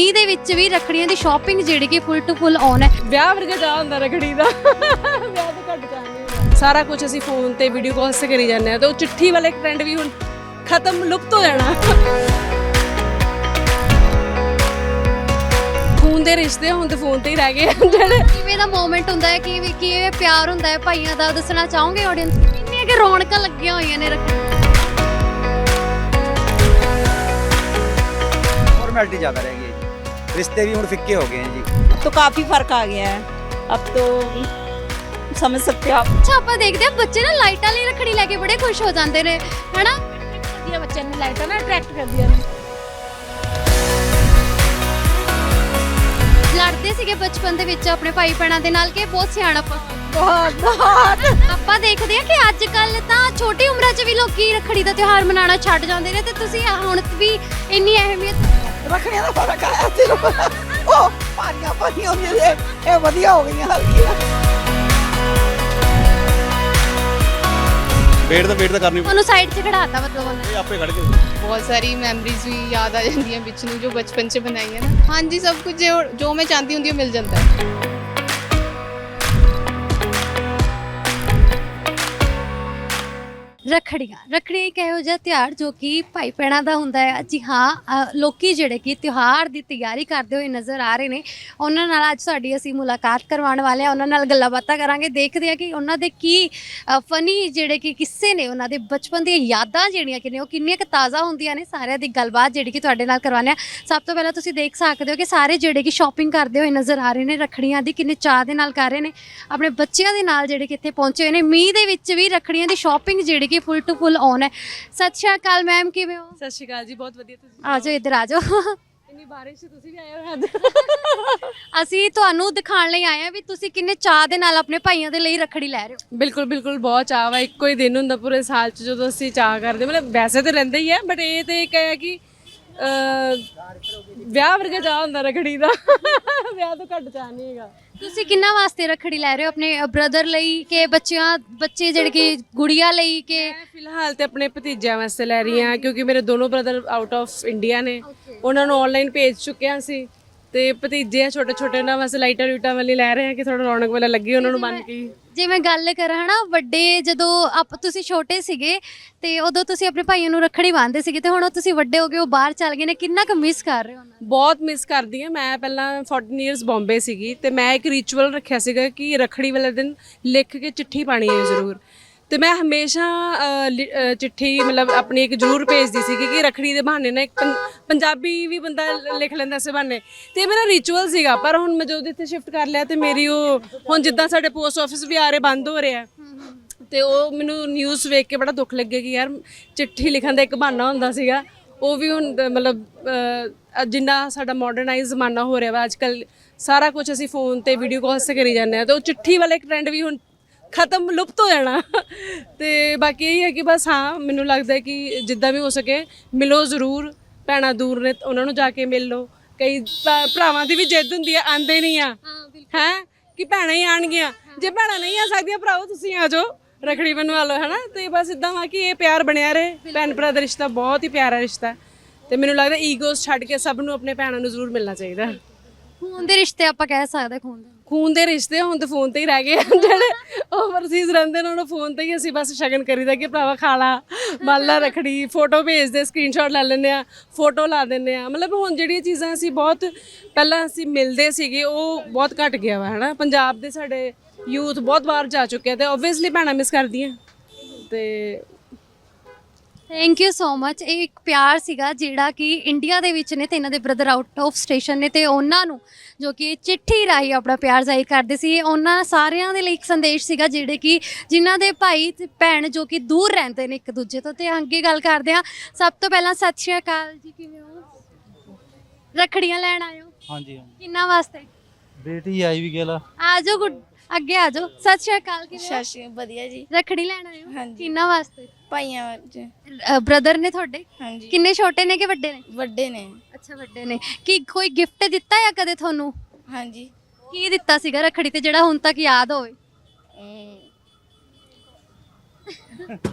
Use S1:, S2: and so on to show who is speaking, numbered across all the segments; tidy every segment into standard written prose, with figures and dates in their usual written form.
S1: ਮੀਂਹ ਦੇ ਵਿੱਚ ਵੀ ਰੱਖੜੀਆਂ ਦੀ ਸ਼ਾਪਿੰਗ ਜਿਹੜੀ ਕਿ ਫੁੱਲ ਟੂ ਫੁੱਲ ਔਨ ਹੈ।
S2: ਵਿਆਹ ਵਰਗਾ ਚਾਹ ਹੁੰਦਾ ਰੱਖੜੀ ਦਾ। ਵਿਆਹ ਤੋਂ ਘੱਟ ਚਾਹ ਨਹੀਂ ਹੁੰਦਾ। ਸਾਰਾ ਕੁਝ ਅਸੀਂ ਫੋਨ ਤੇ ਵੀਡੀਓ ਕਾਲ ਤੇ ਕਰੀ ਜਾਂਦੇ ਆ ਤੇ ਉਹ ਚਿੱਠੀ ਵਾਲੇ ਟ੍ਰੈਂਡ ਵੀ ਹੁਣ ਖਤਮ, ਲੁਪਤ ਹੋ ਜਾਣਾ। ਫੋਨ ਦੇ ਰਿਸ਼ਤੇ ਹੁਣ ਤੇ ਫੋਨ ਤੇ ਹੀ ਰਹਿ ਗਏ ਜਿਹੜੇ।
S1: ਕਿਵੇਂ ਦਾ ਮੂਮੈਂਟ ਹੁੰਦਾ ਹੈ, ਕਿਵੇਂ ਪਿਆਰ ਹੁੰਦਾ ਹੈ ਭਾਈਆਂ ਦਾ, ਦੱਸਣਾ ਚਾਹੋਗੇ ਆਡੀਅנס ਨੂੰ? ਕਿੰਨੀਆਂ ਕਿ ਰੌਣਕਾਂ ਲੱਗੀਆਂ ਹੋਈਆਂ ਨੇ ਰੱਖੜੀ।
S3: फॉर्मेलिटी ज़्यादा रह गई है जी, रिश्ते भी हम फिक्के हो गए हैं जी।
S4: तो काफ़ी फर्क आ गया है, अब तो समझ सकते हो आप।
S1: ਅੱਛਾ, ਆਪਾਂ ਦੇਖਦੇ ਆ ਬੱਚੇ ਨਾ ਲਾਈਟਾਂ ਲਈ ਰੱਖੜੀ ਲੈ ਕੇ ਬੜੇ ਖੁਸ਼ ਹੋ ਜਾਂਦੇ ਨੇ, ਹਨਾ?
S2: ਵਧੀਆ ਬੱਚਿਆਂ ਨੂੰ ਲਾਈਟਾਂ ਨਾ ਅਟਰੈਕਟ ਕਰਦੀਆਂ ਨੇ।
S1: ਲੜਦੇ ਸੀਗੇ ਬਚਪਨ ਦੇ ਵਿੱਚ ਆਪਣੇ ਭਾਈ ਭੈਣਾਂ ਦੇ ਨਾਲ ਕਿ ਬਹੁਤ ਸਿਆਣਪ?
S4: बहुत
S1: ਆਪਾਂ ਦੇਖਦੇ ਆ ਕਿ ਅੱਜ ਕੱਲ ਤਾਂ ਛੋਟੀ ਉਮਰਾਂ 'ਚ ਵੀ ਲੋਕੀ ਰੱਖੜੀ ਦਾ ਤਿਉਹਾਰ ਮਨਾਉਣਾ ਛੱਡ ਜਾਂਦੇ ਨੇ, ਤੇ ਤੁਸੀਂ ਹੁਣ ਵੀ ਇੰਨੀ ਅਹਿਮੀਅਤ।
S4: रखने का फर्क आया सिर्फ ओ पानियां पानियां ये बढ़िया हो गई हल्की।
S5: ਵੇਟ ਤਾਂ ਕਰਨੀ
S1: ਉਹਨੂੰ ਸਾਈਡ 'ਚ ਖੜਾਤਾ ਮਤਲਬ ਉਹਨੇ।
S5: ਆਪੇ ਖੜ ਕੇ।
S6: बहुत सारी मैमरीज भी याद आ जाती हैं बिच नूं जो बचपन से बनाई है ना। हाँ जी, सब कुछ जो मैं चाहती हूँ मिल जाता है।
S1: ਰੱਖੜੀ ਇੱਕ ਇਹੋ ਜਿਹਾ ਤਿਉਹਾਰ ਜੋ ਕਿ ਭਾਈ ਭੈਣਾਂ ਦਾ ਹੁੰਦਾ ਹੈ। ਜੀ ਹਾਂ, ਲੋਕੀ ਜਿਹੜੇ ਕਿ ਤਿਉਹਾਰ ਦੀ ਤਿਆਰੀ ਕਰਦੇ ਹੋਏ ਨਜ਼ਰ ਆ ਰਹੇ ਨੇ, ਉਹਨਾਂ ਨਾਲ ਅੱਜ ਸਾਡੀ ਅਸੀਂ ਮੁਲਾਕਾਤ ਕਰਵਾਉਣ ਵਾਲੇ ਹਾਂ। ਉਹਨਾਂ ਨਾਲ ਗੱਲਾਂ ਬਾਤਾਂ ਕਰਾਂਗੇ, ਦੇਖਦੇ ਹਾਂ ਕਿ ਉਹਨਾਂ ਦੇ ਕੀ ਫਨੀ ਜਿਹੜੇ ਕਿ ਕਿੱਸੇ ਨੇ, ਉਹਨਾਂ ਦੇ ਬਚਪਨ ਦੀਆਂ ਯਾਦਾਂ ਜਿਹੜੀਆਂ ਕਿ ਨੇ ਉਹ ਕਿੰਨੀਆਂ ਕੁ ਤਾਜ਼ਾ ਹੁੰਦੀਆਂ ਨੇ। ਸਾਰਿਆਂ ਦੀ ਗੱਲਬਾਤ ਜਿਹੜੀ ਕਿ ਤੁਹਾਡੇ ਨਾਲ ਕਰਵਾਉਂਦੇ ਹਾਂ। ਸਭ ਤੋਂ ਪਹਿਲਾਂ ਤੁਸੀਂ ਦੇਖ ਸਕਦੇ ਹੋ ਕਿ ਸਾਰੇ ਜਿਹੜੇ ਕਿ ਸ਼ਾਪਿੰਗ ਕਰਦੇ ਹੋਏ ਨਜ਼ਰ ਆ ਰਹੇ ਨੇ ਰੱਖੜੀਆਂ ਦੀ, ਕਿੰਨੇ ਚਾਅ ਦੇ ਨਾਲ ਕਰ ਰਹੇ ਨੇ, ਆਪਣੇ ਬੱਚਿਆਂ ਦੇ ਨਾਲ ਜਿਹੜੇ ਕਿ ਇੱਥੇ ਪਹੁੰਚੇ ਹੋਏ ਨੇ। ਮੀਂਹ ਦੇ ਵਿੱਚ ਵੀ ਰੱਖੜੀਆਂ ਦੀ ਸ਼ਾਪਿੰਗ ਜਿਹੜੀ ਕਿ ਫੁੱਲ ਟੂ ਫੁੱਲ ਔਨ ਹੈ। ਸਤਿ ਸ਼੍ਰੀ ਅਕਾਲ ਮੈਮ, ਕਿਵੇਂ ਹੋ?
S2: ਸਤਿ ਸ਼੍ਰੀ ਅਕਾਲ ਜੀ, ਬਹੁਤ ਵਧੀਆ। ਤੁਸੀਂ
S1: ਆ ਜਾਓ, ਇੱਧਰ ਆ ਜਾਓ।
S2: ਇੰਨੀ ਬਾਰਿਸ਼ 'ਚ ਤੁਸੀਂ ਵੀ ਆਏ ਹੋ ਅੱਜ।
S1: ਅਸੀਂ ਤੁਹਾਨੂੰ ਦਿਖਾਉਣ ਲਈ ਆਏ ਹਾਂ ਵੀ ਤੁਸੀਂ ਕਿੰਨੇ ਚਾਅ ਦੇ ਨਾਲ ਆਪਣੇ ਭਾਈਆਂ ਦੇ ਲਈ ਰੱਖੜੀ ਲੈ ਰਹੇ ਹੋ।
S2: ਬਿਲਕੁਲ ਬਿਲਕੁਲ, ਬਹੁਤ ਚਾਅ ਵਾ। ਇੱਕੋ ਹੀ ਦਿਨ ਹੁੰਦਾ ਪੂਰੇ ਸਾਲ 'ਚ ਜਦੋਂ ਅਸੀਂ ਚਾਅ ਕਰਦੇ, ਮਤਲਬ ਵੈਸੇ ਤਾਂ ਰਹਿੰਦੇ ਹੀ ਹੈ, ਬਟ ਇਹ ਤੇ ਇੱਕ ਹੈ ਕਿ ਵਿਆਹ ਵਰਗਾ ਚਾਹ ਹੁੰਦਾ ਰੱਖੜੀ ਦਾ। ਵਿਆਹ ਤੋਂ ਘੱਟ ਚਾਹ ਨਹੀਂ ਹੈਗਾ।
S1: ਤੁਸੀਂ ਕਿੰਨਾ ਵਾਸਤੇ ਰੱਖੜੀ ਲੈ ਰਹੇ ਹੋ? ਆਪਣੇ ਬ੍ਰਦਰ ਲਈ ਕਿ ਬੱਚੇ ਜਿਹੜੇ ਕਿ ਗੁੜੀਆ ਲਈ ਕਿ?
S2: ਮੈਂ ਫਿਲਹਾਲ ਤੇ ਆਪਣੇ ਭਤੀਜਿਆਂ ਵਾਸਤੇ ਲੈ ਰਹੀ ਹਾਂ, ਕਿਉਂਕਿ ਮੇਰੇ ਦੋਨੋਂ ਬ੍ਰਦਰ ਆਊਟ ਆਫ ਇੰਡੀਆ ਨੇ। ਉਹਨਾਂ ਨੂੰ ਆਨਲਾਈਨ ਭੇਜ ਚੁੱਕਿਆ ਸੀ, ਤੇ ਭਤੀਜੇ ਆ ਛੋਟੇ ਛੋਟੇ, ਉਹਨਾਂ ਵਾਸਤੇ ਲਾਈਟਾਂ ਲੂਟਾਂ ਵਾਲੀ ਲੈ ਰਹੇ ਹਾਂ ਕਿ ਥੋੜਾ ਰੌਣਕ ਵਾਲਾ ਲੱਗੇ ਉਹਨਾਂ ਨੂੰ ਬਣ ਕੇ।
S1: ਜੇ ਮੈਂ ਗੱਲ ਕਰਾਂ ਹਨਾ, ਵੱਡੇ ਜਦੋਂ ਤੁਸੀਂ ਛੋਟੇ ਸੀਗੇ ਤੇ ਉਦੋਂ ਤੁਸੀਂ ਆਪਣੇ ਭਾਈਆਂ ਨੂੰ ਰੱਖੜੀ ਬੰਨ੍ਹਦੇ ਸੀਗੇ, ਤੇ ਹੁਣ ਤੁਸੀਂ ਵੱਡੇ ਹੋ ਗਏ, ਉਹ ਬਾਹਰ ਚੱਲ ਗਏ ਨੇ, ਕਿੰਨਾ ਕੁ ਮਿਸ ਕਰ ਰਹੇ ਹੋ ਉਹਨਾਂ ਨੂੰ?
S2: ਬਹੁਤ ਮਿਸ ਕਰਦੀ ਹਾਂ। ਮੈਂ ਪਹਿਲਾਂ 14 ਇਅਰਸ ਬੰਬੇ ਸੀਗੀ, ਤੇ ਮੈਂ ਇੱਕ ਰਿਚੁਅਲ ਰੱਖਿਆ ਸੀਗਾ ਕਿ ਰੱਖੜੀ ਵਾਲੇ ਦਿਨ ਲਿਖ ਕੇ ਚਿੱਠੀ ਪਾਣੀ ਹੈ ਜ਼ਰੂਰ। ਤੇ ਮੈਂ ਹਮੇਸ਼ਾ ਚਿੱਠੀ ਮਤਲਬ ਆਪਣੀ ਇੱਕ ਜ਼ਰੂਰ ਭੇਜਦੀ ਸੀ ਕਿ ਰੱਖੜੀ ਦੇ ਬਹਾਨੇ ਨਾਲ ਇੱਕ ਪੰਜਾਬੀ ਵੀ ਬੰਦਾ ਲਿਖ ਲੈਂਦਾ ਇਸ ਬਹਾਨੇ, ਤੇ ਮੇਰਾ ਰਿਚੁਅਲ ਸੀਗਾ। ਪਰ ਹੁਣ ਮੈਂ ਜਦੋਂ ਇੱਥੇ ਸ਼ਿਫਟ ਕਰ ਲਿਆ ਤੇ ਮੇਰੀ ਉਹ ਹੁਣ ਜਿੱਦਾਂ ਸਾਡੇ ਪੋਸਟ ਆਫਿਸ ਵੀ ਆ ਰਹੇ ਬੰਦ ਹੋ ਰਿਹਾ, ਤੇ ਉਹ ਮੈਨੂੰ ਨਿਊਜ਼ ਵੇਖ ਕੇ ਬੜਾ ਦੁੱਖ ਲੱਗਿਆ ਕਿ ਯਾਰ ਚਿੱਠੀ ਲਿਖਣ ਦਾ ਇੱਕ ਬਹਾਨਾ ਹੁੰਦਾ ਸੀਗਾ, ਉਹ ਵੀ ਹੁਣ ਮਤਲਬ ਜਿੰਨਾ ਸਾਡਾ ਮਾਡਰਨਾਈਜ਼ ਜ਼ਮਾਨਾ ਹੋ ਰਿਹਾ ਵਾ ਅੱਜ ਕੱਲ੍ਹ, ਸਾਰਾ ਕੁਝ ਅਸੀਂ ਫੋਨ ਤੇ ਵੀਡੀਓ ਕਾਲ ਤੇ ਕਰੀ ਜਾਂਦੇ ਹਾਂ, ਤੇ ਉਹ ਚਿੱਠੀ ਵਾਲੇ ਟ੍ਰੈਂਡ ਵੀ ਹੁਣ ਖਤਮ, ਲੁਪਤ ਹੋ ਜਾਣਾ। ਤੇ ਬਾਕੀ ਇਹ ਹੈ ਕਿ ਬਸ ਹਾਂ, ਮੈਨੂੰ ਲੱਗਦਾ ਕਿ ਜਿੱਦਾਂ ਵੀ ਹੋ ਸਕੇ ਮਿਲੋ ਜ਼ਰੂਰ। ਭੈਣਾਂ ਦੂਰ ਨੇ, ਉਹਨਾਂ ਨੂੰ ਜਾ ਕੇ ਮਿਲ ਲਓ। ਕਈ ਭਰਾਵਾਂ ਦੀ ਵੀ ਜਿੱਦ ਹੁੰਦੀ ਹੈ, ਆਂਦੇ ਨਹੀਂ ਆ ਹੈ ਕਿ ਭੈਣਾਂ ਹੀ ਆਣਗੀਆਂ। ਜੇ ਭੈਣਾਂ ਨਹੀਂ ਆ ਸਕਦੀਆਂ, ਭਰਾਓ ਤੁਸੀਂ ਆ ਜਾਓ, ਰੱਖੜੀ ਬਣਵਾ ਲਓ, ਹੈ ਨਾ। ਤੇ ਬਸ ਇੱਦਾਂ ਵਾ ਕਿ ਇਹ ਪਿਆਰ ਬਣਿਆ ਰਹੇ। ਭੈਣ ਭਰਾ ਦਾ ਰਿਸ਼ਤਾ ਬਹੁਤ ਹੀ ਪਿਆਰਾ ਰਿਸ਼ਤਾ, ਤੇ ਮੈਨੂੰ ਲੱਗਦਾ ਈਗੋਸ ਛੱਡ ਕੇ ਸਭ ਨੂੰ ਆਪਣੇ ਭੈਣਾਂ ਨੂੰ ਜ਼ਰੂਰ ਮਿਲਣਾ ਚਾਹੀਦਾ।
S1: ਖੂਨ ਦੇ ਰਿਸ਼ਤੇ ਆਪਾਂ ਕਹਿ ਸਕਦੇ,
S2: ਖੂਨ ਦੇ ਰਿਸ਼ਤੇ ਹੁਣ ਤਾਂ ਫੋਨ ਤੇ ਹੀ ਰਹਿ ਗਏ। ਜਿਹੜੇ ਓਵਰਸੀਜ਼ ਰਹਿੰਦੇ ਨੇ ਉਹਨਾਂ ਫੋਨ ਤੇ ਹੀ ਅਸੀਂ ਬਸ ਸ਼ਗਨ ਕਰੀਦਾ ਕਿ ਭਰਾਵਾ ਖਾ ਲਾ, ਮੰਨ ਲਾ ਰੱਖੜੀ, ਫੋਟੋ ਭੇਜਦੇ, ਸਕਰੀਨਸ਼ਾਟ ਲੈ ਲੈਂਦੇ ਆ, ਫੋਟੋ ਲਾ ਦਿੰਦੇ ਆ। ਮਤਲਬ ਹੁਣ ਜਿਹੜੀਆਂ ਚੀਜ਼ਾਂ ਅਸੀਂ ਬਹੁਤ ਪਹਿਲਾਂ ਅਸੀਂ ਮਿਲਦੇ ਸੀਗੇ, ਉਹ ਬਹੁਤ ਘਟ ਗਿਆ ਵਾ, ਹੈ ਨਾ। ਪੰਜਾਬ ਦੇ ਸਾਡੇ ਯੂਥ ਬਹੁਤ ਬਾਹਰ ਜਾ ਚੁੱਕਿਆ, ਤੇ ਓਬਵੀਅਸਲੀ ਭੈਣਾਂ ਮਿਸ ਕਰਦੀਆਂ। ਤੇ
S1: ਥੈਂਕ ਯੂ ਸੋ ਮਚ। ਇਹ ਇੱਕ ਪਿਆਰ ਸੀਗਾ ਜਿਹੜਾ ਕਿ ਇੰਡੀਆ ਦੇ ਵਿੱਚ ਨੇ, ਤੇ ਇਹਨਾਂ ਦੇ ਬ੍ਰਦਰ ਆਊਟ ਆਫ ਸਟੇਸ਼ਨ ਨੇ, ਤੇ ਉਹਨਾਂ ਨੂੰ ਜੋ ਕਿ ਚਿੱਠੀ ਰਾਹੀਂ ਆਪਣਾ ਪਿਆਰ ਜ਼ਾਹਿਰ ਕਰਦੇ ਸੀ। ਉਹਨਾਂ ਸਾਰਿਆਂ ਦੇ ਲਈ ਇੱਕ ਸੰਦੇਸ਼ ਸੀਗਾ, ਜਿਹੜੇ ਕਿ ਜਿਨ੍ਹਾਂ ਦੇ ਭਾਈ ਤੇ ਭੈਣ ਜੋ ਕਿ ਦੂਰ ਰਹਿੰਦੇ ਨੇ ਇੱਕ ਦੂਜੇ ਤੋਂ। ਤੇ ਅੱਗੇ ਗੱਲ ਕਰਦੇ ਹਾਂ। ਸਭ ਤੋਂ ਪਹਿਲਾਂ ਸਤਿ ਸ਼੍ਰੀ ਅਕਾਲ ਜੀ, ਕਿਵੇਂ ਹੋ? ਰੱਖੜੀਆਂ ਲੈਣ ਆਏ ਹੋ?
S7: ਹਾਂਜੀ
S1: ਕਿੰਨਾ ਵਾਸਤੇ?
S7: ਬੇਟੀ ਆਈ ਵੀ गेला।
S1: ਆ ਜਾਓ, ਅੱਗੇ ਆ ਜਾਓ। ਸਤਿ ਸ਼੍ਰੀ ਅਕਾਲ, ਕਿਵੇਂ ਹੋ?
S4: शशि बढ़िया जी।
S1: ਰੱਖੜੀ ਲੈਣ ਆਏ ਹੋ?
S4: ਹਾਂਜੀ।
S1: ਕਿੰਨਾ ਵਾਸਤੇ?
S4: भाइयां च
S1: ਬ੍ਰਦਰ ਨੇ ਤੁਹਾਡੇ?
S4: हाँ जी।
S1: ਕਿੰਨੇ ਛੋਟੇ ਨੇ ਕਿ ਵੱਡੇ ਨੇ?
S4: ਵੱਡੇ ਨੇ।
S1: ਅੱਛਾ, ਵੱਡੇ ਨੇ। ਕੀ ਕੋਈ ਗਿਫਟ ਦਿੱਤਾ ਜਾਂ ਕਦੇ ਤੁਹਾਨੂੰ?
S4: हाँ जी।
S1: ਕੀ ਦਿੱਤਾ ਸੀਗਾ ਰੱਖੜੀ ਤੇ ਜਿਹੜਾ ਹੁਣ ਤੱਕ ਯਾਦ ਹੋਵੇ?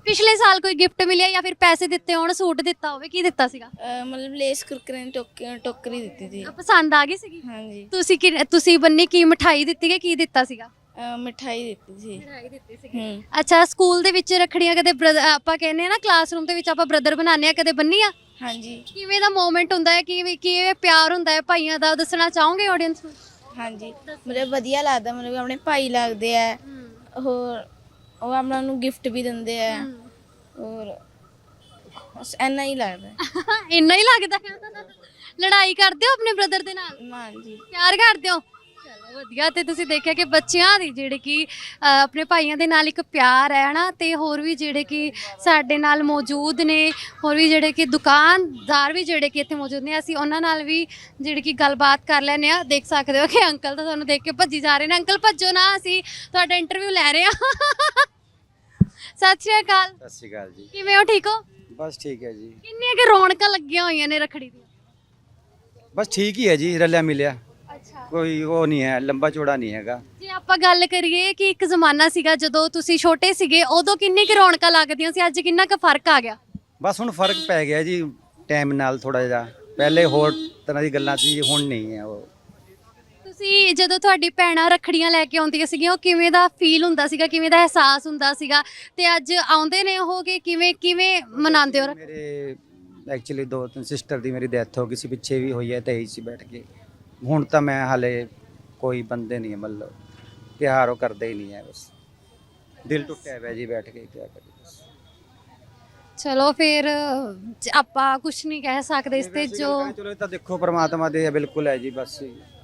S1: ਪਿਛਲੇ ਸਾਲ ਕੋਈ ਗਿਫਟ ਮਿਲਿਆ ਜਾਂ ਫਿਰ ਪੈਸੇ ਦਿੱਤੇ ਹੋਣ, ਸੂਟ ਦਿੱਤਾ ਹੋਵੇ, ਕੀ ਦਿੱਤਾ ਸੀਗਾ?
S5: ਮਤਲਬ ਲੇਸ ਕੁਰਕਰੇ ਨੇ ਟੋਕਰੀ ਦਿੱਤੀ ਸੀ।
S1: ਪਸੰਦ ਆ ਗਈ ਸੀਗੀ?
S5: ਹਾਂਜੀ
S1: ਤੁਸੀਂ ਬੰਨੀ ਕੀ ਮਿਠਾਈ ਦਿੱਤੀ ਕਿ ਕੀ ਦਿੱਤਾ ਸੀਗਾ?
S5: ਮਿਠਾਈ ਦਿੱਤੀ ਸੀ।
S1: ਮਿਠਾਈ ਦਿੱਤੀ ਸੀਗੀ।
S5: ਹੂੰ
S1: ਅੱਛਾ, ਸਕੂਲ ਦੇ ਵਿੱਚ ਰੱਖੜੀਆਂ ਕਦੇ ਆਪਾਂ ਕਹਿੰਦੇ ਆ ਨਾ ਕਲਾਸਰੂਮ ਦੇ ਵਿੱਚ ਆਪਾਂ ਬ੍ਰਦਰ ਬਣਾਉਂਦੇ ਆ, ਕਦੇ ਬੰਨੀ ਆ?
S5: ਹਾਂਜੀ
S1: ਕਿਵੇਂ ਦਾ ਮੂਮੈਂਟ ਹੁੰਦਾ ਹੈ, ਕਿਵੇਂ ਪਿਆਰ ਹੁੰਦਾ ਹੈ ਭਾਈਆਂ ਦਾ, ਦੱਸਣਾ ਚਾਹੋਗੇ ਆਡੀਅנס ਨੂੰ?
S5: ਹਾਂਜੀ ਮਤਲਬ ਵਧੀਆ ਲੱਗਦਾ, ਮਤਲਬ ਆਪਣੇ ਭਾਈ ਲੱਗਦੇ ਆ। ਹੋਰ ਉਹ ਆਪਣਾ ਨੂੰ ਗਿਫਟ ਵੀ ਦਿੰਦੇ ਆ। ਹੋਰ ਬਸ ਇੰਨਾ ਹੀ ਲੱਗਦਾ।
S1: ਇੰਨਾ ਹੀ ਲੱਗਦਾ ਹੈ? ਲੜਾਈ ਕਰਦੇ ਹੋ ਆਪਣੇ ਬ੍ਰਦਰ ਦੇ ਨਾਲ?
S5: ਹਾਂਜੀ
S1: ਪਿਆਰ ਕਰਦੇ ਹੋ? ਚਲੋ ਵਧੀਆ। ਤੇ ਤੁਸੀਂ ਦੇਖਿਆ ਕਿ ਬੱਚਿਆਂ ਦੀ ਜਿਹੜੇ ਕਿ ਆਪਣੇ ਭਾਈਆਂ ਦੇ ਨਾਲ ਇੱਕ ਪਿਆਰ ਹੈ ਨਾ, ਤੇ ਹੋਰ ਵੀ ਜਿਹੜੇ ਕਿ ਸਾਡੇ ਨਾਲ ਮੌਜੂਦ ਨੇ, ਹੋਰ ਵੀ ਜਿਹੜੇ ਕਿ ਦੁਕਾਨਦਾਰ ਵੀ ਜਿਹੜੇ ਕਿ ਇੱਥੇ ਮੌਜੂਦ ਨੇ, ਅਸੀਂ ਉਹਨਾਂ ਨਾਲ ਵੀ ਜਿਹੜੀ ਕਿ ਗੱਲਬਾਤ ਕਰ ਲੈਂਦੇ ਆ। ਦੇਖ ਸਕਦੇ ਹੋ ਕਿ ਅੰਕਲ ਤਾਂ ਤੁਹਾਨੂੰ ਦੇਖ ਕੇ ਭੱਜੀ ਜਾ ਰਹੇ ਨੇ। ਅੰਕਲ ਭੱਜੋ ਨਾ, ਅਸੀਂ ਤੁਹਾਡਾ ਇੰਟਰਵਿਊ ਲੈ ਰਹੇ ਹਾਂ। ਸਤਿ ਸ਼੍ਰੀ ਅਕਾਲ।
S3: ਸਤਿ ਸ਼੍ਰੀ ਅਕਾਲ ਜੀ।
S1: ਕਿਵੇਂ ਹੋ? ਠੀਕ ਹੋ?
S3: ਬਸ ਠੀਕ ਹੈ ਜੀ।
S1: ਕਿੰਨੀਆਂ ਕਿ ਰੌਣਕਾਂ ਲੱਗੀਆਂ ਹੋਈਆਂ ਨੇ ਰੱਖੜੀ ਦੀਆਂ?
S3: ਬਸ ਠੀਕ ਹੀ ਹੈ ਜੀ, ਰਲਿਆ ਮਿਲਿਆ,
S1: ਅੱਛਾ,
S3: ਕੋਈ ਉਹ ਨਹੀਂ ਹੈ, ਲੰਬਾ ਚੌੜਾ ਨਹੀਂ ਹੈਗਾ।
S1: ਜੇ ਆਪਾਂ ਗੱਲ ਕਰੀਏ ਕਿ ਇੱਕ ਜ਼ਮਾਨਾ ਸੀਗਾ ਜਦੋਂ ਤੁਸੀਂ ਛੋਟੇ ਸੀਗੇ, ਉਦੋਂ ਕਿੰਨੀ ਕੁ ਰੌਣਕਾਂ ਲੱਗਦੀਆਂ ਸੀ, ਅੱਜ ਕਿੰਨਾ ਕੁ ਫਰਕ ਆ ਗਿਆ?
S3: ਬਸ ਹੁਣ ਫਰਕ ਪੈ ਗਿਆ ਜੀ ਟਾਈਮ ਨਾਲ ਥੋੜਾ ਜਿਹਾ। ਪਹਿਲੇ ਹੋਰ ਤਰ੍ਹਾਂ ਦੀ ਗੱਲਾਂ ਸੀ, ਹੁਣ ਨਹੀਂ ਹੈ ਉਹ।
S1: ਤੁਸੀਂ ਜਦੋਂ ਤੁਹਾਡੀ ਭੈਣਾਂ ਰੱਖੜੀਆਂ ਲੈ ਕੇ ਆਉਂਦੀਆਂ ਸੀਗੀਆਂ, ਉਹ ਕਿਵੇਂ ਦਾ ਫੀਲ ਹੁੰਦਾ ਸੀਗਾ, ਕਿਵੇਂ ਦਾ ਅਹਿਸਾਸ ਹੁੰਦਾ ਸੀਗਾ? ਤੇ ਅੱਜ ਆਉਂਦੇ ਨੇ ਉਹ ਕਿ ਕਿਵੇਂ ਮਨਾਉਂਦੇ ਹੋ?
S3: ਮੇਰੇ ਐਕਚੁਅਲੀ 2-3 ਸਿਸਟਰ ਦੀ ਮੇਰੀ ਡੈਥ ਹੋ ਗਈ ਸੀ, ਪਿੱਛੇ ਵੀ ਹੋਈ ਹੈ, ਤੇ ਇਹੀ ਸੀ ਬੈਠ ਕੇ। ਹੁਣ ਤਾਂ ਮੈਂ ਹਾਲੇ ਕੋਈ ਬੰਦੇ ਨਹੀਂ ਹੈ, ਮਤਲਬ ਤਿਉਹਾਰ ਉਹ ਕਰਦੇ ਹੀ ਨਹੀਂ ਹੈ, ਬਸ ਦਿਲ ਟੁੱਟਿਆ ਹੋਇਆ ਜੀ ਬੈਠ ਕੇ, ਕਿਆ ਕਰੀਏ ਬਸ।
S1: ਚਲੋ ਫਿਰ ਆਪਾਂ ਕੁਝ ਨਹੀਂ ਕਹਿ ਸਕਦੇ ਇਸ ਤੇ। ਜੋ
S3: ਚਲੋ ਇਹ ਤਾਂ ਦੇਖੋ ਪ੍ਰਮਾਤਮਾ ਦੇ ਬਿਲਕੁਲ ਹੈ ਜੀ, ਬਸ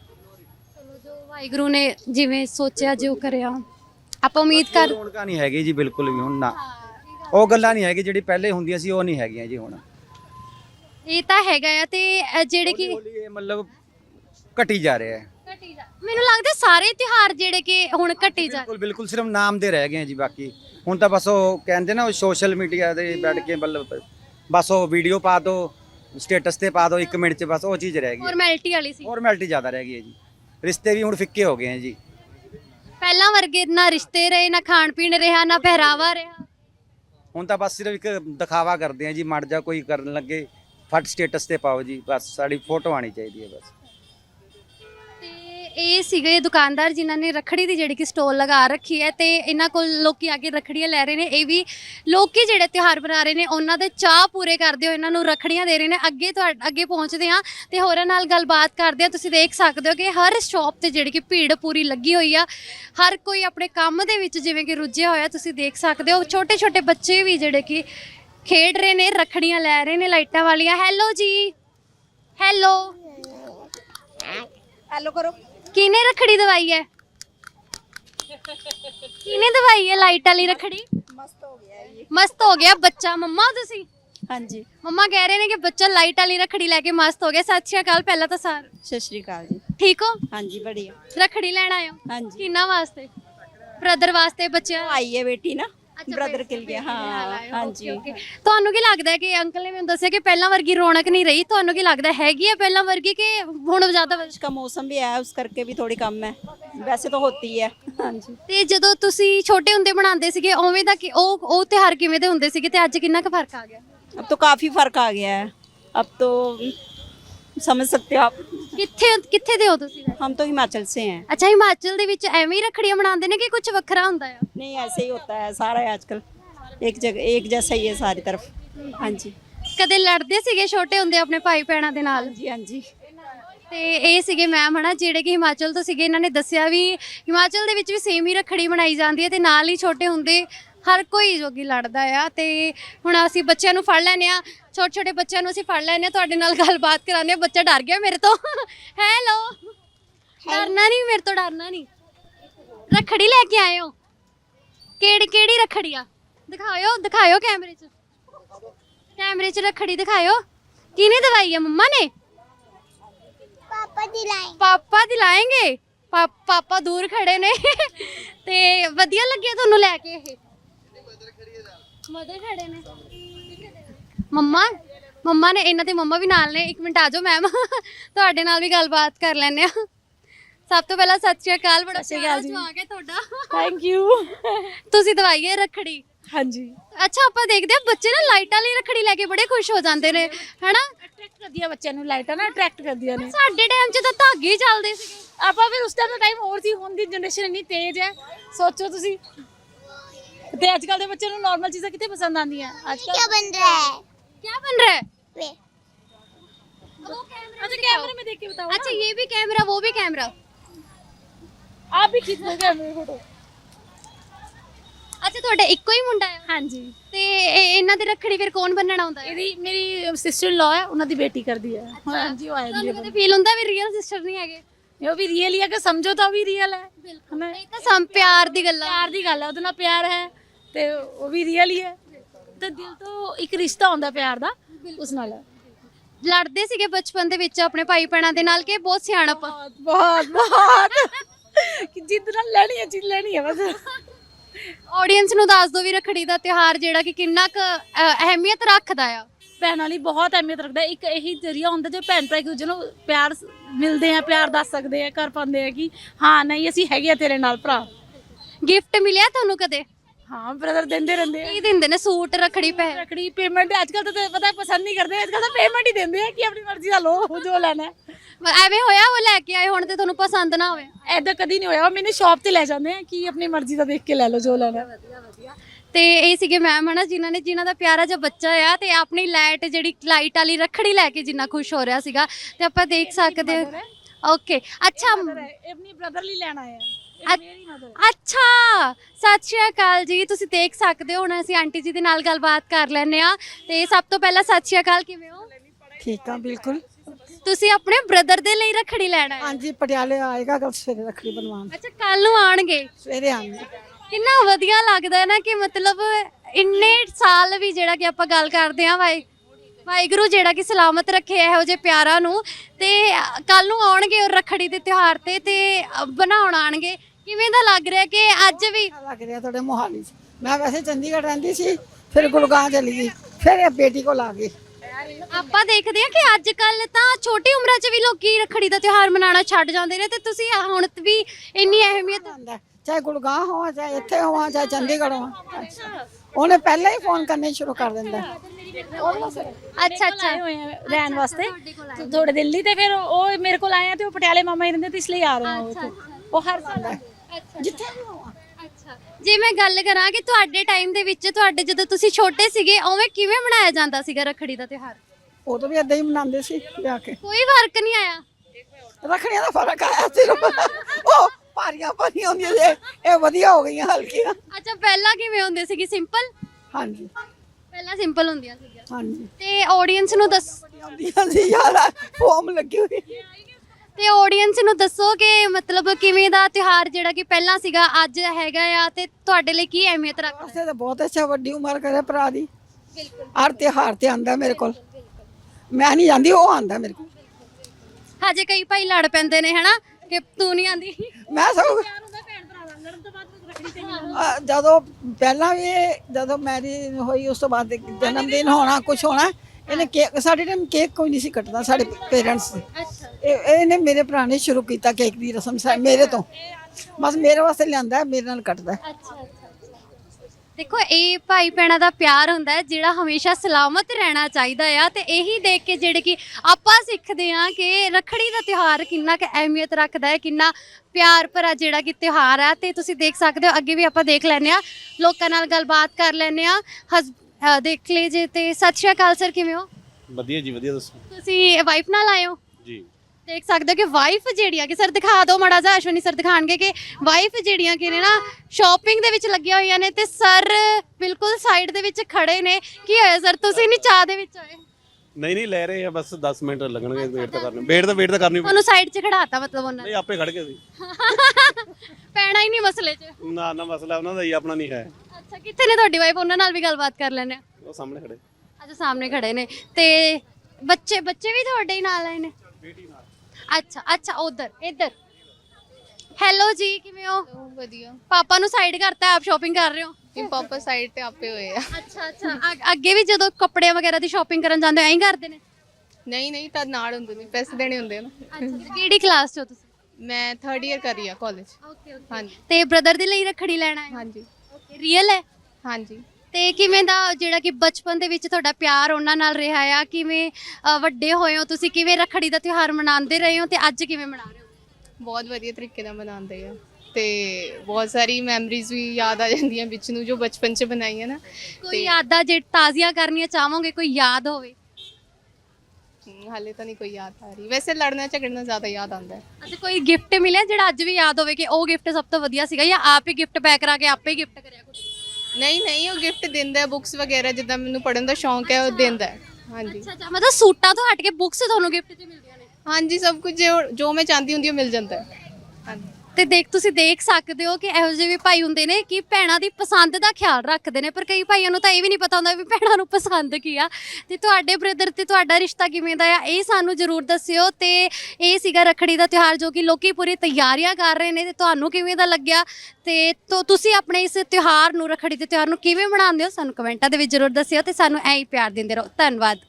S1: ਜੋ ਵਾਹਿਗੁਰੂ ਨੇ ਜਿਵੇਂ ਸੋਚਿਆ ਜੋ ਕਰਿਆ, ਆਪਾਂ ਉਮੀਦ ਕਰ।
S3: ਰੌਣਕਾਂ ਨਹੀਂ ਹੈਗੀ ਜੀ ਬਿਲਕੁਲ ਵੀ ਹੁਣ ਨਾ। ਉਹ ਗੱਲਾਂ ਨਹੀਂ ਹੈਗੀ ਜਿਹੜੀ ਪਹਿਲੇ ਹੁੰਦੀਆਂ ਸੀ, ਉਹ ਨਹੀਂ ਹੈਗੀਆਂ ਜੀ ਹੁਣ।
S1: ਇਹ ਤਾਂ ਹੈਗਾ ਆ। ਤੇ ਜਿਹੜੇ ਕਿ
S3: ਹੌਲੀ ਇਹ ਮਤਲਬ ਘਟੀ ਜਾ ਰਿਹਾ ਹੈ।
S1: ਮੈਨੂੰ ਲੱਗਦਾ ਸਾਰੇ ਤਿਉਹਾਰ ਜਿਹੜੇ ਕਿ ਹੁਣ ਘਟੀ ਜਾ
S3: ਬਿਲਕੁਲ ਬਿਲਕੁਲ ਸਿਰਫ ਨਾਮ ਦੇ ਰਹਿ ਗਏ ਆ ਜੀ। ਬਾਕੀ ਹੁਣ ਤਾਂ ਬਸ ਉਹ ਕਹਿੰਦੇ ਨਾ, ਉਹ ਸੋਸ਼ਲ ਮੀਡੀਆ ਤੇ ਬੈਠ ਕੇ ਮਤਲਬ ਬਸ ਉਹ ਵੀਡੀਓ ਪਾ ਦੋ, ਸਟੇਟਸ ਤੇ ਪਾ ਦੋ 1 ਮਿੰਟ 'ਚ, ਬਸ ਉਹ ਚੀਜ਼ ਰਹਿ ਗਈ।
S1: ਫਾਰਮੈਲਿਟੀ ਵਾਲੀ ਸੀ।
S3: ਫਾਰਮੈਲਿਟੀ ਜ਼ਿਆਦਾ ਰਹਿ ਗਈ ਹੈ ਜੀ। ਰਿਸ਼ਤੇ ਵੀ ਹੁਣ ਫਿੱਕੇ ਹੋ ਗਏ ਆ ਜੀ।
S1: ਪਹਿਲਾਂ ਵਰਗੇ ਨਾ ਰਿਸ਼ਤੇ ਰਹੇ, ਨਾ ਖਾਣ ਪੀਣ ਰਿਹਾ, ਨਾ ਪਹਿਰਾਵਾ ਰਿਹਾ।
S3: ਹੁਣ ਤਾਂ ਬਸ ਸਿਰਫ ਇੱਕ ਦਿਖਾਵਾ ਕਰਦੇ ਆ ਜੀ। ਮੜ ਜਾ ਕੋਈ ਕਰਨ ਲੱਗੇ, ਫਟ ਸਟੇਟਸ ਤੇ ਪਾਓ ਜੀ, ਬਸ ਸਾਡੀ ਫੋਟੋ ਆਣੀ ਚਾਹੀਦੀ ਹੈ ਬਸ।
S1: ਤੇ ਇਹ ਸੀਗੇ ਦੁਕਾਨਦਾਰ ਜਿਨ੍ਹਾਂ ਨੇ ਰੱਖੜੀ ਦੀ ਜਿਹੜੀ ਕਿ ਸਟੋਲ ਲਗਾ ਰੱਖੀ ਹੈ, ਤੇ ਇਹਨਾਂ ਕੋਲ ਲੋਕੀ ਆ ਕੇ ਰੱਖੜੀਆਂ ਲੈ ਰਹੇ ਨੇ। ਇਹ ਵੀ ਲੋਕੀ ਜਿਹੜੇ ਤਿਉਹਾਰ ਬਣਾ ਰਹੇ ਨੇ, ਉਹਨਾਂ ਦੇ ਚਾਅ ਪੂਰੇ ਕਰਦੇ ਹੋ ਇਹਨਾਂ ਨੂੰ ਰੱਖੜੀਆਂ ਦੇ ਰਹੇ ਨੇ। ਅੱਗੇ ਪਹੁੰਚਦੇ ਹਾਂ ਤੇ ਹੋਰਾਂ ਨਾਲ ਗੱਲਬਾਤ ਕਰਦੇ ਹਾਂ। ਤੁਸੀਂ ਦੇਖ ਸਕਦੇ ਹੋ ਕਿ ਹਰ ਸ਼ਾਪ ਤੇ ਜਿਹੜੀ ਕਿ ਭੀੜ ਪੂਰੀ ਲੱਗੀ ਹੋਈ ਆ। ਹਰ ਕੋਈ ਆਪਣੇ ਕੰਮ ਦੇ ਵਿੱਚ ਜਿਵੇਂ ਕਿ ਰੁੱਝਿਆ ਹੋਇਆ ਤੁਸੀਂ ਦੇਖ ਸਕਦੇ ਹੋ। ਛੋਟੇ ਛੋਟੇ ਬੱਚੇ ਵੀ ਜਿਹੜੇ ਕਿ ਖੇਡ ਰਹੇ ਨੇ, ਰੱਖੜੀਆਂ ਲੈ ਰਹੇ ਨੇ ਲਾਈਟਾਂ ਵਾਲੀਆਂ। ਹੈਲੋ ਜੀ, ਹੈਲੋ
S4: ਹੈਲੋ ਕਰੋ।
S1: ਕਿਹਨੇ ਰੱਖੜੀ ਦਵਾਈ ਹੈ? ਕਿਹਨੇ ਦਵਾਈ ਹੈ ਲਾਈਟ ਵਾਲੀ ਰੱਖੜੀ?
S4: ਮਸਤ ਹੋ ਗਿਆ ਜੀ।
S1: ਮਸਤ ਹੋ ਗਿਆ ਬੱਚਾ। ਮੰਮਾ ਤੁਸੀਂ?
S4: ਹਾਂਜੀ
S1: ਮੰਮਾ ਕਹਿ ਰਹੇ ਨੇ ਕਿ ਬੱਚਾ ਲਾਈਟ ਵਾਲੀ ਰੱਖੜੀ ਲੈ ਕੇ ਮਸਤ ਹੋ ਗਿਆ। ਸਤਿ ਸ਼੍ਰੀ ਅਕਾਲ ਪਹਿਲਾਂ ਤਾਂ ਸਰ।
S4: ਸਤਿ ਸ਼੍ਰੀ ਅਕਾਲ ਜੀ।
S1: ਠੀਕ ਹੋ?
S4: ਹਾਂਜੀ ਬੜੀਆ।
S1: ਰੱਖੜੀ ਲੈਣ ਆਏ ਹੋ?
S4: ਹਾਂਜੀ
S1: ਕਿਹਨਾਂ ਵਾਸਤੇ? ਬ੍ਰਦਰ ਵਾਸਤੇ, ਬੱਚਿਆਂ?
S4: ਆਈ ਹੈ ਬੇਟੀ ਨਾ,
S1: ਅੱਛਾ,
S4: ਬ੍ਰਦਰ ਕੇ
S1: ਬੇਟੀ
S4: ਲਈ।
S1: ਦੇ ਨਾਲ
S4: ਹਾਂ
S1: ਆਏ ਹੋ।
S4: ਹਾਂਜੀ
S1: ਓਕੇ, ਓਕੇ। ਤੁਹਾਨੂੰ ਕੀ ਲੱਗਦਾ ਹੈ ਕਿ ਅੰਕਲ ਨੇ ਮੈਨੂੰ ਦੱਸਿਆ ਕਿ ਪਹਿਲਾਂ ਵਰਗੀ ਰੌਣਕ ਨਹੀਂ ਰਹੀ, ਤੁਹਾਨੂੰ ਕੀ ਲੱਗਦਾ ਹੈਗੀ ਹੈ ਪਹਿਲਾਂ ਵਰਗੀ ਕਿ ਹੁਣ ਜ਼ਿਆਦਾ
S4: का मौसम भी है, उस करके भी थोड़ी कम है, वैसे तो होती है। हाँ जी।
S1: ਤੇ ਜਦੋਂ ਤੁਸੀਂ ਛੋਟੇ ਹੁੰਦੇ ਬਣਾਉਂਦੇ ਸੀਗੇ ਉਵੇਂ ਦਾ ਕਿ ਉਹ ਤਿਉਹਾਰ ਕਿਵੇਂ ਦੇ ਹੁੰਦੇ ਸੀਗੇ ਤੇ ਅੱਜ ਕਿੰਨਾ ਕੁ ਫਰਕ ਆ ਗਿਆ?
S4: अब तो काफ़ी फ़र्क आ गया है। अब तो समझ सकते हो आप।
S1: ਕਿੱਥੇ ਦੇ ਹੋ ਤੁਸੀਂ ਵੈਸੇ?
S4: हम तो हिमाचल से हैं।
S1: ਅੱਛਾ, ਹਿਮਾਚਲ ਦੇ ਵਿੱਚ ਐਵੇਂ ਹੀ ਰੱਖੜੀਆਂ ਮਨਾਉਂਦੇ ਨੇ ਕਿ ਕੁਝ ਵੱਖਰਾ ਹੁੰਦਾ ਆ?
S4: नहीं ऐसे ही होता है सारा आजकल, एक जगह एक जैसा ही है सारी तरफ। हाँ जी
S1: ਕਦੇ ਲੜਦੇ ਸੀਗੇ ਛੋਟੇ ਹੁੰਦੇ ਆਪਣੇ ਭਾਈ ਭੈਣਾਂ ਦੇ ਨਾਲ?
S4: जी। हाँ जी
S1: ਤੇ ਇਹ ਸੀਗੇ ਮੈਮ ਹਨਾ ਜਿਹੜੇ ਕਿ ਹਿਮਾਚਲ ਤੋਂ ਸੀਗੇ। ਇਹਨਾਂ ਨੇ ਦੱਸਿਆ ਵੀ ਹਿਮਾਚਲ ਦੇ ਵਿੱਚ ਵੀ ਸੇਮ ਹੀ ਰੱਖੜੀ ਮਨਾਈ ਜਾਂਦੀ ਹੈ ਤੇ ਨਾਲ ਹੀ ਛੋਟੇ ਹੁੰਦੇ ਹਰ ਕੋਈ ਜੋਗੀ ਲੜਦਾ ਆ। ਤੇ ਹੁਣ ਅਸੀਂ ਬੱਚਿਆਂ ਨੂੰ ਫੜ ਲੈਨੇ ਆ, ਛੋਟੇ ਛੋਟੇ ਬੱਚਿਆਂ ਨੂੰ ਅਸੀਂ ਫੜ ਲੈਨੇ ਆ, ਤੁਹਾਡੇ ਨਾਲ ਗੱਲਬਾਤ ਕਰਾਉਂਦੇ ਆ। ਬੱਚਾ ਡਰ ਗਿਆ ਮੇਰੇ ਤੋਂ। ਹੈਲੋ, ਡਰਨਾ ਨਹੀਂ, ਮੇਰੇ ਤੋਂ ਡਰਨਾ ਨਹੀਂ। ਰੱਖੜੀ ਲੈ ਕੇ ਆਏ ਹੋ? ਕਿਹੜੀ ਰੱਖੜੀ ਆ? ਦਿਖਾਇਓ ਕੈਮਰੇ 'ਚ ਰੱਖੜੀ ਦਿਖਾਇਓ। ਕਿਹਨੇ ਦਵਾਈ ਆ? ਮੰਮਾ ਨੇ? ਪਾਪਾ ਦਿਲਾਏਂਗੇ। ਪਾਪਾ ਦੂਰ ਖੜੇ ਨੇ। ਤੇ ਵਧੀਆ ਲੱਗਿਆ ਤੁਹਾਨੂੰ ਲੈ ਕੇ? ਇਹ ਮਦਰ ਖੜੇ ਨੇ। ਮੰਮਾ ਨੇ, ਇਹਨਾਂ ਦੇ ਮੰਮਾ ਵੀ ਨਾਲ ਨੇ। 1 ਮਿੰਟ ਆ ਜਾਓ ਮੈਮ, ਤੁਹਾਡੇ ਨਾਲ ਵੀ ਗੱਲਬਾਤ ਕਰ ਲੈਂਦੇ ਆ। ਸਭ ਤੋਂ ਪਹਿਲਾਂ ਸਤਿ ਸ਼੍ਰੀ ਅਕਾਲ। ਬੜਾ ਪਿਆਰਾ ਜਵਾਕ ਹੈ ਤੁਹਾਡਾ।
S4: Thank you.
S1: ਤੁਸੀਂ ਦਵਾਈ ਹੈ ਰੱਖੜੀ?
S2: ਹਾਂਜੀ
S1: ਅੱਛਾ ਆਪਾਂ ਦੇਖਦੇ ਆ ਬੱਚੇ ਨਾ ਲਾਈਟਾਂ ਲਈ ਰੱਖੜੀ ਲੈ ਕੇ ਬੜੇ ਖੁਸ਼ ਹੋ ਜਾਂਦੇ ਨੇ ਹਨਾ।
S8: ਅਟਰੈਕਟ ਕਰਦੀਆਂ ਬੱਚਿਆਂ ਨੂੰ, ਲਾਈਟਾਂ ਨਾ ਅਟਰੈਕਟ ਕਰਦੀਆਂ ਨੇ।
S1: ਸਾਡੇ ਟਾਈਮ 'ਚ ਤਾਂ ਧਾਗੇ ਹੀ ਚੱਲਦੇ ਸੀਗੇ।
S8: ਆਪਾਂ ਫਿਰ ਉਸ ਟਾਈਮ ਦਾ ਟਾਈਮ ਹੋਰ ਸੀ, ਹੁਣ ਦੀ ਜਨਰੇਸ਼ਨ ਇੰਨੀ ਤੇਜ਼ ਹੈ, ਸੋਚੋ ਤੁਸੀਂ। ਤੇ ਅੱਜ ਕੱਲ ਦੇ ਬੱਚਿਆਂ ਨੂੰ ਨਾਰਮਲ ਚੀਜ਼ਾਂ ਕਿੱਥੇ ਪਸੰਦ ਆਉਂਦੀਆਂ ਅੱਜ ਕੱਲ।
S1: ਕੀ ਬਣ रहा है?
S8: अच्छा कैमरे में देख के बताओ।
S1: अच्छा ये भी कैमरा वो भी कैमरा।
S8: आप भी खींच लो कैमरे फोटो।
S1: ਅੱਛਾ ਤੁਹਾਡਾ ਇੱਕੋ ਹੀ ਮੁੰਡਾ ਹੈ?
S8: ਹਾਂਜੀ
S1: ਤੇ ਇਹਨਾਂ ਦੇ ਰੱਖੜੀ ਫਿਰ ਕੌਣ ਬੰਨਣਾ ਹੁੰਦਾ ਹੈ?
S8: ਇਹਦੀ ਮੇਰੀ ਸਿਸਟਰ ਇਨ ਲਾ ਹੈ, ਉਹਨਾਂ ਦੀ ਬੇਟੀ ਕਰਦੀ ਹੈ। ਹਾਂਜੀ ਉਹ ਆਏ
S1: ਤੁਹਾਨੂੰ ਕਦੇ ਫੀਲ ਹੁੰਦਾ ਵੀ ਰੀਅਲ ਸਿਸਟਰ ਨਹੀਂ ਹੈਗੇ?
S8: ਉਹ ਵੀ ਰੀਅਲ ਹੀ ਹੈ, ਕਿ ਸਮਝੋ ਤਾਂ ਉਹ ਵੀ ਰੀਅਲ ਹੈ।
S1: ਬਿਲਕੁਲ ਇਹ ਤਾਂ ਸਮ ਪਿਆਰ ਦੀ ਗੱਲ ਆ।
S8: ਪਿਆਰ ਦੀ ਗੱਲ ਹੈ, ਉਹਦੇ ਨਾਲ ਪਿਆਰ ਹੈ ਤੇ ਉਹ ਵੀ ਰੀਅਲ ਹੀ ਹੈ। ਤੇ ਦਿਲ ਤੋਂ ਇੱਕ ਰਿਸ਼ਤਾ ਹੁੰਦਾ ਪਿਆਰ ਦਾ, ਉਸ ਨਾਲ ਹੈ।
S1: ਲੜਦੇ ਸੀਗੇ ਬਚਪਨ ਦੇ ਵਿੱਚ ਆਪਣੇ ਭਾਈ ਭੈਣਾਂ ਦੇ ਨਾਲ ਕਿ ਬਹੁਤ ਸਿਆਣਪ?
S8: ਬਹੁਤ ਬਹੁਤ ਕਿ ਜਿੱਦ ਨਾਲ ਲੈਣੀ ਹੈ, ਚੀਜ਼ ਲੈਣੀ ਹੈ ਬਸ।
S1: ਆਡੀਅנס ਨੂੰ ਦੱਸ ਦਿਓ ਵੀ ਰੱਖੜੀ ਦਾ ਤਿਉਹਾਰ ਜਿਹੜਾ ਕਿ ਕਿੰਨਾ ਕੁ ਅਹਿਮੀਅਤ ਰੱਖਦਾ ਆ।
S8: ਭੈਣਾਂ ਲਈ ਬਹੁਤ ਅਹਿਮੀਅਤ ਰੱਖਦਾ। ਇੱਕ ਇਹੀ ਜ਼ਰੀਆ ਹੁੰਦਾ ਜੋ ਭੈਣ ਭਰਾ ਇੱਕ ਦੂਜੇ ਨੂੰ ਪਿਆਰ ਮਿਲਦੇ ਆ, ਪਿਆਰ ਦੱਸ ਸਕਦੇ ਆ, ਕਰ ਪਾਉਂਦੇ ਆ ਕਿ ਹਾਂ ਨਹੀਂ ਅਸੀਂ ਹੈਗੇ ਆ ਤੇਰੇ ਨਾਲ ਭਰਾ।
S1: ਗਿਫਟ ਮਿਲਿਆ ਤੁਹਾਨੂੰ ਕਦੇ?
S8: ਹਾਂ ਬ੍ਰਦਰ ਦਿੰਦੇ ਰਹਿੰਦੇ ਆ।
S1: ਕੀ ਦਿੰਦੇ ਨੇ? ਸੂਟ, ਰੱਖੜੀ ਪੈ?
S8: ਰੱਖੜੀ ਪੇਮੈਂਟ ਅੱਜ ਕੱਲ ਤਾਂ ਪਤਾ ਪਸੰਦ ਨਹੀਂ ਕਰਦੇ, ਅੱਜ ਕੱਲ ਤਾਂ ਪੇਮੈਂਟ ਹੀ ਦਿੰਦੇ ਆ ਕਿ ਆਪਣੀ ਮਰਜ਼ੀ ਦਾ ਲਓ ਜੋ ਲੈਣਾ ਹੈ।
S1: ਐਵੇਂ ਹੋਇਆ ਉਹ ਲੈ ਕੇ ਆਏ ਹੁਣ ਤੇ ਤੁਹਾਨੂੰ ਪਸੰਦ ਨਾ ਹੋਵੇ?
S8: ਐਦਾਂ ਕਦੀ ਨਹੀਂ ਹੋਇਆ। ਉਹ ਮੈਨੂੰ ਸ਼ਾਪ ਤੇ ਲੈ ਜਾਂਦੇ ਆ ਕਿ ਆਪਣੀ ਮਰਜ਼ੀ ਦਾ ਦੇਖ ਕੇ ਲੈ ਲਓ ਜੋ ਲੈਣਾ।
S1: ਤੇ ਇਹ ਸੀਗੇ ਮੈਮ ਹਨਾ ਜਿਨ੍ਹਾਂ ਦਾ ਪਿਆਰਾ ਜਿਹਾ ਬੱਚਾ ਆ ਤੇ ਆਪਣੀ ਜਿਹੜੀ ਲਾਈਟ ਵਾਲੀ ਰੱਖੜੀ ਲੈ ਕੇ ਜਿੰਨਾ ਖੁਸ਼ ਹੋ ਰਿਹਾ ਸੀਗਾ ਤੇ ਆਪਾਂ ਦੇਖ ਸਕਦੇ ਹਾਂ। ਓਕੇ ਅੱਛਾ
S8: ਇਹ ਆਪਣੀ ਬ੍ਰਦਰ ਲਈ ਲੈਣਾ ਹੈ।
S1: ਅੱਛਾ ਸਤਿ ਸ਼੍ਰੀ ਅਕਾਲ ਜੀ। ਤੁਸੀਂ ਦੇਖ ਸਕਦੇ ਹੋ ਹੁਣ ਅਸੀਂ ਆਂਟੀ ਜੀ ਦੇ ਨਾਲ ਗੱਲਬਾਤ ਕਰ ਲੈਂਦੇ ਆ। ਤੇ ਸਭ ਤੋਂ ਪਹਿਲਾਂ ਸਤਿ ਸ਼੍ਰੀ ਅਕਾਲ, ਕਿਵੇਂ ਹੋ?
S4: ਠੀਕ ਆ ਬਿਲਕੁਲ।
S1: ਤੁਸੀਂ ਆਪਣੇ ਬ੍ਰਦਰ ਦੇ ਲਈ ਰੱਖੜੀ ਲੈਣਾ ਹੈ?
S4: ਹਾਂਜੀ ਪਟਿਆਲੇ ਆਏਗਾ ਕੱਲ ਸਵੇਰੇ ਰੱਖੜੀ ਬਣਵਾਉਣ।
S1: ਅੱਛਾ ਕੱਲ ਨੂੰ ਆਣਗੇ?
S4: ਸਵੇਰੇ ਆਉਂਗੇ।
S1: ਕਿੰਨਾ ਵਧੀਆ ਲੱਗਦਾ ਹੈ ਨਾ ਕਿ ਮਤਲਬ ਇੰਨੇ ਸਾਲ ਵੀ ਜਿਹੜਾ ਕਿ ਆਪਾਂ ਗੱਲ ਕਰਦੇ ਆ ਵਾਹਿਗੁਰੂ ਜਿਹੜਾ ਕਿ ਸਲਾਮਤ ਰੱਖੇ ਇਹੋ ਜਿਹੇ ਪਿਆਰਾਂ ਨੂੰ। ਤੇ ਕੱਲ ਨੂੰ ਆਉਣਗੇ ਔਰ ਰੱਖੜੀ ਦੇ ਤਿਉਹਾਰ ਤੇ ਬਣਾਉਣ ਆਣਗੇ। ਕਿਵੇਂ ਦਾ ਲੱਗ ਰਿਹਾ ਕਿ ਅੱਜ ਵੀ
S4: ਲੱਗ ਰਿਹਾ ਤੁਹਾਡੇ ਮੋਹਾਲੀ 'ਚ? ਮੈਂ ਵੈਸੇ ਚੰਡੀਗੜ੍ਹ ਰਹਿੰਦੀ ਸੀ, ਫਿਰ ਗੁਰਗਾਂਵ ਚਲੀ ਗਈ, ਫਿਰ ਇਹ ਬੇਟੀ ਕੋਲ ਆ ਗਈ।
S1: ਆਪਾਂ ਦੇਖਦੇ ਆ ਕਿ ਅੱਜ ਕੱਲ ਤਾਂ ਛੋਟੀ ਉਮਰਾਂ 'ਚ ਵੀ ਲੋਕੀ ਰੱਖੜੀ ਦਾ ਤਿਉਹਾਰ ਮਨਾਉਣਾ ਛੱਡ ਜਾਂਦੇ ਨੇ ਤੇ ਤੁਸੀਂ ਹੁਣ ਵੀ ਇੰਨੀ ਅਹਿਮੀਅਤ।
S4: ਆਉਂਦਾ ਚਾਹੇ ਗੁਰਗਾਂਵ ਹੋਵਾਂ, ਚਾਹੇ ਇੱਥੇ ਹੋਵਾਂ, ਚਾਹੇ ਚੰਡੀਗੜ੍ਹ ਹੋਵਾਂ, ਉਹਨੇ ਪਹਿਲਾਂ ਹੀ ਫੋਨ ਕਰਨੇ ਸ਼ੁਰੂ ਕਰ ਦਿੰਦਾ।
S1: ਅੱਛਾ ਅੱਛਾ
S8: ਆਏ ਹੋਏ ਆ ਰਹਿਣ ਵਾਸਤੇ ਥੋੜੇ ਦਿਨ ਲਈ, ਤੇ ਫਿਰ ਉਹ ਮੇਰੇ ਕੋਲ ਆਏ ਆ ਤੇ ਉਹ ਪਟਿਆਲੇ ਮਾਮਾ ਹੀ ਰਹਿੰਦੇ ਤੇ ਇਸ ਲਈ ਆ ਰਹੇ ਆ। ਉਹ ਹਰ ਸਾਲ
S4: ਜਿੱਥੇ ਵੀ ਹੋਵਾਂ।
S1: ਅੱਛਾ ਜੇ ਮੈਂ ਗੱਲ ਕਰਾਂ ਕਿ ਤੁਹਾਡੇ ਟਾਈਮ ਦੇ ਵਿੱਚ ਤੁਹਾਡੇ ਜਦੋਂ ਤੁਸੀਂ ਛੋਟੇ ਸੀਗੇ ਉਵੇਂ ਕਿਵੇਂ ਮਨਾਇਆ ਜਾਂਦਾ ਸੀਗਾ ਰੱਖੜੀ ਦਾ ਤਿਉਹਾਰ?
S4: ਉਦੋਂ ਵੀ ਏਦਾਂ ਹੀ ਮਨਾਉਂਦੇ ਸੀ ਜਾ ਕੇ।
S1: ਕੋਈ ਫਰਕ ਨਹੀਂ ਆਇਆ?
S4: ਰੱਖੜੀਆਂ ਦਾ ਫਰਕ ਆਇਆ ਸਿਰਫ ਉਹ ਭਾਰੀਆਂ ਹੁੰਦੀਆਂ ਸੀ, ਇਹ ਵਧੀਆ ਹੋ ਗਈਆਂ ਹਲਕੀਆਂ।
S1: ਅੱਛਾ ਪਹਿਲਾਂ ਕਿਵੇਂ ਹੁੰਦੇ ਸੀਗੇ? ਸਿੰਪਲ?
S4: ਹਾਂਜੀ
S1: ਪਹਿਲਾਂ ਸਿੰਪਲ ਹੁੰਦੀਆਂ ਸੀਗੀਆਂ।
S4: ਹਾਂਜੀ
S1: ਤੇ ਆਡੀਅנס ਨੂੰ
S4: ਹੁੰਦੀਆਂ ਸੀ ਯਾਰ, ਫੋਮ ਲੱਗੀ ਹੋਈ।
S1: ਤੇ ਆਡੀਅנס ਨੂੰ ਦੱਸੋ ਕਿ ਮਤਲਬ ਕਿਵੇਂ ਦਾ ਤਿਉਹਾਰ ਜਿਹੜਾ ਕਿ ਪਹਿਲਾਂ ਸੀਗਾ ਅੱਜ ਹੈਗਾ ਆ ਤੇ ਤੁਹਾਡੇ ਲਈ ਕੀ ਅਹਿਮੀਅਤ ਰੱਖਦਾ?
S4: ਵਾਸਤੇ ਤਾਂ ਬਹੁਤ ਅੱਛਾ, ਵੱਡੀ ਉਮਰ ਕਰੇ ਭਰਾ ਦੀ। ਹਰ ਤਿਉਹਾਰ ਤੇ ਆਂਦਾ ਮੇਰੇ ਕੋਲ, ਮੈਂ ਨਹੀਂ ਜਾਂਦੀ ਉਹ ਆਂਦਾ ਮੇਰੇ ਕੋਲ।
S1: ਹਜੇ ਕਈ ਭਾਈ ਲੜ ਪੈਂਦੇ ਨੇ ਹਨਾ ਕਿ ਤੂੰ ਨਹੀਂ ਆਂਦੀ।
S4: ਮੈਂ ਸਗੋਂ ਜਦੋਂ ਪਹਿਲਾਂ ਵੀ ਜਦੋਂ ਮੈਰਿਜ ਹੋਈ ਉਸ ਤੋਂ ਬਾਅਦ ਜਨਮ ਦਿਨ ਹੋਣਾ ਕੁਝ ਹੋਣਾ, ਇਹਨੇ ਕੇਕ, ਸਾਡੇ ਟਾਈਮ ਕੇਕ ਕੋਈ ਨਹੀਂ ਸੀ ਕੱਟਦਾ ਸਾਡੇ ਪੇਰੈਂਟਸ ਨੇ। ਇਹਨੇ ਮੇਰੇ ਭਰਾ ਨੇ ਸ਼ੁਰੂ ਕੀਤਾ ਕੇਕ ਦੀ ਰਸਮ ਮੇਰੇ ਤੋਂ, ਬਸ ਮੇਰੇ ਵਾਸਤੇ ਲਿਆਂਦਾ, ਮੇਰੇ ਨਾਲ ਕੱਟਦਾ।
S1: ਦੇਖੋ ਇਹ ਭਾਈ ਭੈਣਾਂ ਦਾ ਪਿਆਰ ਹੁੰਦਾ ਹੈ ਜਿਹੜਾ ਹਮੇਸ਼ਾ ਸਲਾਮਤ ਰਹਿਣਾ ਚਾਹੀਦਾ ਆ ਤੇ ਇਹੀ ਦੇਖ ਕੇ ਜਿਹੜੇ ਕਿ ਆਪਾਂ ਸਿੱਖਦੇ ਆ ਕਿ ਰੱਖੜੀ ਦਾ ਤਿਉਹਾਰ ਕਿੰਨਾ ਕੁ ਅਹਿਮੀਅਤ ਰੱਖਦਾ ਹੈ, ਕਿੰਨਾ ਪਿਆਰ ਭਰਾ ਜਿਹੜਾ ਕਿ ਤਿਉਹਾਰ ਆ। ਤੇ ਤੁਸੀਂ ਦੇਖ ਸਕਦੇ ਹੋ ਅੱਗੇ ਵੀ ਆਪਾਂ ਦੇਖ ਲੈਂਦੇ ਆ, ਲੋਕਾਂ ਨਾਲ ਗੱਲਬਾਤ ਕਰ ਲੈਂਦੇ ਆ। ਦੇਖ ਲਈ ਜੇ। ਤੇ ਸਤਿ ਸ਼੍ਰੀ ਅਕਾਲ ਸਰ, ਕਿਵੇਂ ਹੋ?
S7: ਵਧੀਆ ਜੀ ਵਧੀਆ। ਦੱਸੋ
S1: ਤੁਸੀਂ ਵਾਈਫ ਨਾਲ ਆਏ ਹੋ?
S7: ਜੀ
S1: ਦੇਖ ਸਕਦੇ ਹੋ ਕਿ ਵਾਈਫ ਜਿਹੜੀਆਂ ਕਿ ਸਰ ਦਿਖਾ ਦਿਓ ਮਾੜਾ ਜਿਹਾ, ਅਸ਼ਵਨੀ ਸਰ ਦਿਖਾਣਗੇ ਕਿ ਵਾਈਫ ਜਿਹੜੀਆਂ ਕਿ ਨੇ ਨਾ ਸ਼ਾਪਿੰਗ ਦੇ ਵਿੱਚ ਲੱਗੀਆਂ ਹੋਈਆਂ ਨੇ ਤੇ ਸਰ ਬਿਲਕੁਲ ਸਾਈਡ ਦੇ ਵਿੱਚ ਖੜੇ ਨੇ। ਕੀ ਹੋਇਆ ਸਰ, ਤੁਸੀਂ ਨਹੀਂ ਚਾਹ ਦੇ ਵਿੱਚ ਆਏ?
S7: ਨਹੀਂ ਲੈ ਰਹੇ ਆ, ਬਸ 10 ਮਿੰਟ ਲੱਗਣਗੇ। ਵੇਟ ਤਾਂ ਕਰਨੀ
S1: ਤੁਹਾਨੂੰ ਸਾਈਡ 'ਚ ਖੜਾਤਾ ਮਤਲਬ ਉਹਨਾਂ ਨੇ?
S7: ਨਹੀਂ ਆਪੇ ਖੜ ਗਏ ਸੀ।
S1: ਪੈਣਾ ਹੀ ਨਹੀਂ ਮਸਲੇ 'ਚ।
S7: ਨਾ ਮਸਲਾ ਉਹਨਾਂ ਦਾ ਹੀ, ਆਪਣਾ ਨਹੀਂ ਹੈ।
S1: ਅੱਛਾ ਕਿੱਥੇ ਨੇ ਤੁਹਾਡੀ ਵਾਈਫ? ਉਹਨਾਂ ਨਾਲ ਵੀ ਗੱਲਬਾਤ ਕਰ ਲੈਣੇ ਆ।
S7: ਉਹ ਸਾਹਮਣੇ ਖੜੇ।
S1: ਅੱਛਾ ਸਾਹਮਣੇ ਖੜੇ ਨੇ। ਤੇ ਬੱਚੇ ਵੀ ਤੁਹਾਡੇ ਹੀ ਨਾਲ ਆਏ ਨੇ?
S7: ਬੇਟੀ ਨਾਲ।
S1: ਅੱਛਾ ਇੱਧਰ। ਹੈਲੋ ਜੀ, ਕਿਵੇਂ ਹੋ?
S6: ਵਧੀਆ।
S1: ਪਾਪਾ ਨੂੰ ਸਾਈਡ ਕਰਤਾ, ਆਪ ਸ਼ਾਪਿੰਗ ਕਰ ਰਹੇ ਹੋ?
S6: ਇਹ ਪਾਪਾ ਸਾਈਡ ਤੇ ਆਪੇ ਹੋਏ ਆ।
S1: ਅੱਛਾ ਅੱਗੇ ਵੀ ਜਦੋਂ ਕੱਪੜੇ ਵਗੈਰਾ ਦੀ ਸ਼ਾਪਿੰਗ ਕਰਨ ਜਾਂਦੇ ਹੋ ਐਂ ਕਰਦੇ ਨੇ?
S6: ਨਹੀਂ ਤਾਂ ਨਾਲ ਹੁੰਦੇ ਨੇ, ਪੈਸੇ ਦੇਣੇ ਹੁੰਦੇ ਆ ਨਾ।
S1: ਅੱਛਾ ਕਿਹੜੀ ਕਲਾਸ 'ਚ ਹੋ ਤੁਸੀਂ?
S6: ਮੈਂ 3rd ਇਅਰ ਕਰ ਰਹੀ ਆ ਕਾਲਜ।
S1: ਓਕੇ
S6: ਹਾਂਜੀ
S1: ਤੇ ਬ੍ਰਦਰ ਦੇ ਲਈ ਰੱਖੜੀ ਲੈਣਾ ਹੈ?
S6: ਹਾਂਜੀ
S1: ਓਕੇ ਰੀਅਲ ਹੈ?
S6: ਹਾਂਜੀ
S1: ਤੇ ਕਿਵੇਂ ਦਾ ਜਿਹੜਾ ਕਿ ਬਚਪਨ ਦੇ ਵਿੱਚ ਤੁਹਾਡਾ ਪਿਆਰ ਉਹਨਾਂ ਨਾਲ ਰਿਹਾ ਆ, ਕਿਵੇਂ ਵੱਡੇ ਹੋਏ ਹੋ ਤੁਸੀਂ, ਕਿਵੇਂ ਰੱਖੜੀ ਦਾ ਤਿਉਹਾਰ ਮਨਾਉਂਦੇ ਰਹੇ ਹੋ ਤੇ ਅੱਜ ਕਿਵੇਂ ਮਨਾ ਰਹੇ ਹੋ?
S6: ਬਹੁਤ ਵਧੀਆ ਤਰੀਕੇ ਨਾਲ ਮਨਾਉਂਦੇ ਆ ਤੇ ਬਹੁਤ ਸਾਰੀ ਮੈਮਰੀਜ਼ ਵੀ ਯਾਦ ਆ ਜਾਂਦੀਆਂ ਵਿੱਚ ਨੂੰ ਜੋ ਬਚਪਨ 'ਚ ਬਣਾਈਆਂ ਨਾ।
S1: ਕੋਈ ਯਾਦਾਂ ਜੇ ਤਾਜ਼ੀਆਂ ਕਰਨੀਆਂ ਚਾਹੋਗੇ, ਕੋਈ ਯਾਦ ਹੋਵੇ?
S6: ਹਾਲੇ ਤਾਂ ਨਹੀਂ ਕੋਈ ਯਾਦ ਆ ਰਹੀ, ਵੈਸੇ ਲੜਨਾ ਝਗੜਨਾ ਜ਼ਿਆਦਾ ਯਾਦ ਆਉਂਦਾ ਹੈ।
S1: ਅੱਛਾ, ਕੋਈ ਗਿਫਟ ਮਿਲਿਆ ਜਿਹੜਾ ਅੱਜ ਵੀ ਯਾਦ ਹੋਵੇ ਕਿ ਉਹ ਗਿਫਟ ਸਭ ਤੋਂ ਵਧੀਆ ਸੀਗਾ, ਜਾਂ ਆਪ ਹੀ ਗਿਫਟ ਪੈਕ ਕਰਾ ਕੇ ਆਪੇ ਹੀ ਗਿਫਟ ਕਰਿਆ ਕੁਝ?
S6: ਨਹੀਂ ਉਹ ਗਿਫਟ ਦਿੰਦਾ ਹੈ, ਬੁੱਕਸ ਵਗੈਰਾ, ਜਿੱਦਾਂ ਮੈਨੂੰ ਪੜ੍ਹਨ ਦਾ ਸ਼ੌਂਕ ਹੈ ਉਹ ਦਿੰਦਾ ਹੈ। ਹਾਂਜੀ
S1: ਅੱਛਾ, ਮਤਲਬ ਸੂਟਾਂ ਤੋਂ ਹਟ ਕੇ ਬੁੱਕਸ ਤੁਹਾਨੂੰ ਗਿਫਟ 'ਚ ਮਿਲਦੀਆਂ ਨੇ?
S6: ਹਾਂਜੀ, ਸਭ ਕੁਝ ਜੋ ਮੈਂ ਚਾਹੁੰਦੀ ਹੁੰਦੀ ਉਹ ਮਿਲ ਜਾਂਦਾ ਹੈ। ਹਾਂਜੀ
S1: ਤੇ ਤੁਸੀਂ ਦੇਖ ਸਕਦੇ ਹੋ ਕਿ ਇਹੋ ਜਿਹੇ ਵੀ ਭਾਈ ਹੁੰਦੇ ਨੇ ਕਿ ਭੈਣਾਂ ਦੀ ਪਸੰਦ ਦਾ ਖਿਆਲ ਰੱਖਦੇ ਨੇ, ਪਰ ਕਈ ਭਾਈਆਂ ਨੂੰ ਤਾਂ ਇਹ ਵੀ ਨਹੀਂ ਪਤਾ ਹੁੰਦਾ ਵੀ ਭੈਣਾਂ ਨੂੰ ਪਸੰਦ ਕੀ ਆ। ਤੇ ਤੁਹਾਡੇ ਬ੍ਰਦਰ ਤੇ ਤੁਹਾਡਾ ਰਿਸ਼ਤਾ ਕਿਵੇਂ ਦਾ ਆ, ਇਹ ਸਾਨੂੰ ਜ਼ਰੂਰ ਦੱਸਿਓ। ਤੇ ਇਹ ਸੀਗਾ ਰੱਖੜੀ ਦਾ ਤਿਉਹਾਰ ਜੋ ਕਿ ਲੋਕੀ ਪੂਰੀ ਤਿਆਰੀਆਂ ਕਰ ਰਹੇ ਨੇ, ਤੇ ਤੁਹਾਨੂੰ ਕਿਵੇਂ ਦਾ ਲੱਗਿਆ ਤੇ ਤੁਸੀਂ ਆਪਣੇ ਇਸ ਤਿਉਹਾਰ ਨੂੰ, ਰੱਖੜੀ ਦੇ ਤਿਉਹਾਰ ਨੂੰ ਕਿਵੇਂ ਮਨਾਉਂਦੇ ਹੋ, ਸਾਨੂੰ ਕਮੈਂਟਾਂ ਦੇ ਵਿੱਚ ਜ਼ਰੂਰ ਦੱਸਿਓ ਤੇ ਸਾਨੂੰ ਐਂ ਹੀ ਪਿਆਰ ਦਿੰਦੇ ਰਹੋ। ਧੰਨਵਾਦ।